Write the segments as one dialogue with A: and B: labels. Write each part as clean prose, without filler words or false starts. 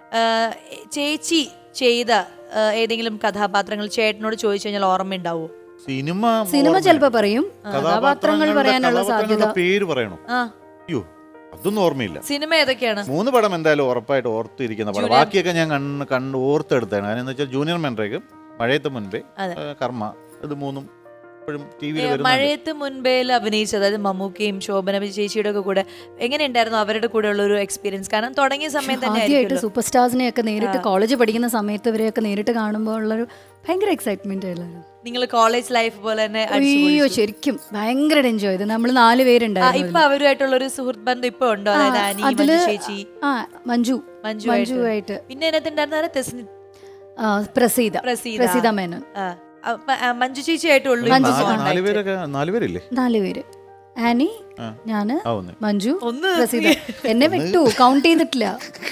A: ചേച്ചി ചെയ്ത ഏതെങ്കിലും കഥാപാത്രങ്ങൾ ചേട്ടനോട് ചോദിച്ചു കഴിഞ്ഞാൽ ഓർമ്മയുണ്ടാവോ?
B: സിനിമ ചിലപ്പോ പറയും, കഥാപാത്രങ്ങൾ പറയാനുള്ള സാധ്യത.
C: പേര് പറയണോ? അയ്യോ അതൊന്നും ഓർമ്മയില്ല.
A: സിനിമ ഏതൊക്കെയാണ്?
C: 3 പടം എന്തായാലും ഉറപ്പായിട്ട് ഓർത്തിരിക്കുന്ന പടം. ബാക്കിയൊക്കെ ഞാൻ കണ്ട് ഓർത്തെടുത്താണ്. കാരണം എന്താ വെച്ചാൽ ജൂനിയർ മെൻറേക്കും മഴയത്ത് മുൻപേ കർമ്മ, ഇത് 3
A: മഴയത്ത് മുൻപേൽ അഭിനയിച്ചത്, അതായത് മമ്മൂക്കയും ശോഭന ചേച്ചിയുടെ ഒക്കെ കൂടെ എങ്ങനെയുണ്ടായിരുന്നു അവരുടെ കൂടെ ഉള്ള ഒരു എക്സ്പീരിയൻസ്? കാരണം തുടങ്ങിയ സമയത്ത്
B: ആദ്യമായിട്ട് സൂപ്പർ സ്റ്റാർസിനെ ഒക്കെ നേരിട്ട് കോളേജ് പഠിക്കുന്ന സമയത്ത് ഇവരെയൊക്കെ നേരിട്ട് കാണുമ്പോൾ ഉള്ളൊരു ഭയങ്കര എക്സൈറ്റ്മെന്റ് ആയിരുന്നു.
A: നിങ്ങൾ കോളേജ് ലൈഫ് പോലെ തന്നെ?
B: അയ്യോ ശരിക്കും ഭയങ്കര എൻജോയ് ചെയ്തു. നമ്മൾ 4 പേരുണ്ടായിരുന്നു.
A: ഇപ്പൊ അവരുമായിട്ടുള്ള ഒരു സുഹൃത്ത് ബന്ധം ഇപ്പൊ ഉണ്ടോ? അതായത് ചേച്ചി,
B: മഞ്ജുവായിട്ട്.
A: പിന്നെ അതിനകത്തുണ്ടായിരുന്ന
B: പ്രസീത മേനോൻ,
A: മഞ്ജു ചേച്ചിയായിട്ടുള്ളൂ.
C: 4 പേരില്ലേ?
B: 4 പേര്. ആനി, ഞാന്, മഞ്ജു, പ്രസീത. എന്നെ വിട്ടു, കൗണ്ട് ചെയ്തിട്ടില്ല.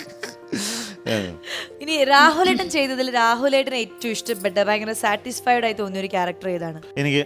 A: ഇനി രാഹുലേട്ടൻ ചെയ്തതിൽ രാഹുലേട്ടന് ഏറ്റവും ഇഷ്ടപ്പെട്ട, ഭയങ്കര സാറ്റിസ്ഫൈഡ് ആയി തോന്നിയ ഒരു ക്യാരക്ടർ ഏതാണ്?
C: എനിക്ക്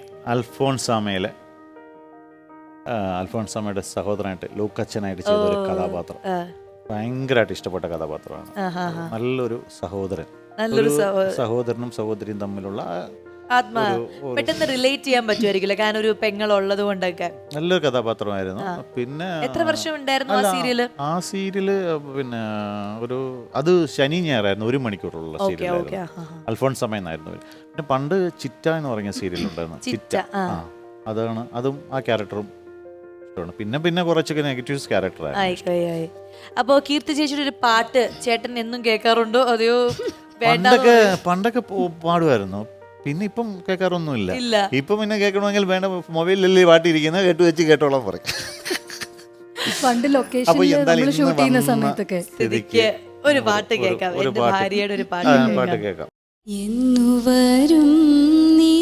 C: അൽഫോൺസാമയുടെ സഹോദരനായിട്ട് ലൂക്കച്ചനായിട്ട് ചെയ്ത ഒരു കഥാപാത്രം ഭയങ്കരമായിട്ട് ഇഷ്ടപ്പെട്ട കഥാപാത്രമാണ്. നല്ലൊരു സഹോദരനും സഹോദരിയും തമ്മിലുള്ള
A: പെട്ടെന്ന് റിലേറ്റ് ചെയ്യാൻ പറ്റുമായിരിക്കില്ല, കാരണം ഒരു പെങ്ങളുള്ളത് കൊണ്ടൊക്കെ.
C: നല്ലൊരു കഥാപാത്രമായിരുന്നു. പിന്നെ
A: എത്ര വർഷം ഉണ്ടായിരുന്നു ആ സീരിയല്?
C: ആ സീരിയല് പിന്നെ അത് ശനി ഞായറായിരുന്നു, 1 മണിക്കൂറുള്ള സീരിയലായിരുന്നു. അൽഫോൺസാമ എന്നായിരുന്നു. പിന്നെ പണ്ട് ചിറ്റ എന്ന് പറഞ്ഞ സീരിയൽ ഉണ്ടായിരുന്നു. ചിറ്റ, അതും ആ ക്യാരക്ടറും ഇഷ്ടമാണ്. പിന്നെ കുറച്ചൊക്കെ നെഗറ്റീവ് ക്യാരക്ടറായി.
A: അപ്പോ കീർത്തി ചേച്ചിയുടെ ഒരു പാട്ട് ചേട്ടൻ എന്നും കേൾക്കാറുണ്ടോ? അതെയോ?
C: പണ്ടൊക്കെ പാടുമായിരുന്നു, പിന്നെ ഇപ്പം കേൾക്കാറൊന്നുമില്ല. ഇപ്പം പിന്നെ കേൾക്കണമെങ്കിൽ വേണ്ട, മൊബൈലിലല്ലേ പാട്ടിരിക്കുന്നത്, കേട്ടോളാൻ പറയും.
B: പണ്ട് ലൊക്കേഷനിൽ ഷൂട്ട് ചെയ്യുന്ന സമയത്തൊക്കെ
A: ഒരു പാട്ട് കേൾക്കാം, എന്റെ ഭാര്യയുടെ ഒരു പാട്ട്
C: കേൾക്കാം.
B: എന്നുവരും നീ,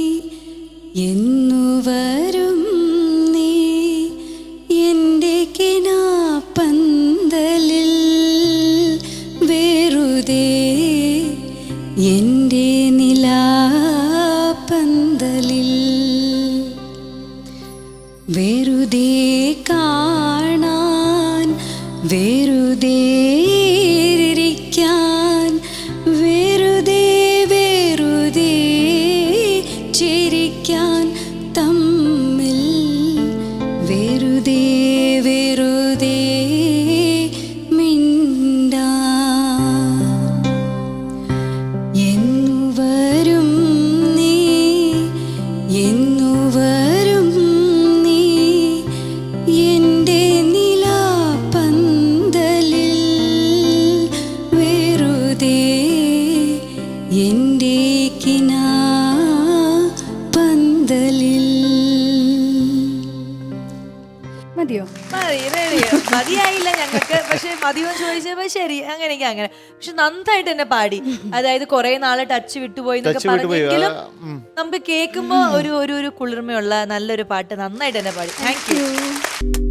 B: എന്നുവരും നീ എന്റെ കിനാപ്പന്തലിൽ, വെറുതെ എന്റെ നിലാപ്പന്തലിൽ, വെറുതെ കാണാൻ, വെറുതെ ഇരിക്കാൻ, വെറുതെ വെറുതെ ചിരിക്കാൻ, തമ്മിൽ വെറുതെ വെറുതെ
A: മതിയായില്ല ഞങ്ങൾക്ക്, പക്ഷെ മതിയോ ചോദിച്ചപ്പോ ശരി അങ്ങനെയൊക്കെ അങ്ങനെ. പക്ഷെ നന്നായിട്ട് തന്നെ പാടി, അതായത് കുറെ നാളെ ടച്ച് വിട്ടുപോയി എന്നൊക്കെ പറഞ്ഞെങ്കിലും നമുക്ക് കേൾക്കുമ്പോ ഒരു കുളിർമയുള്ള നല്ലൊരു പാട്ട് നന്നായിട്ട് തന്നെ പാടി. Thank U.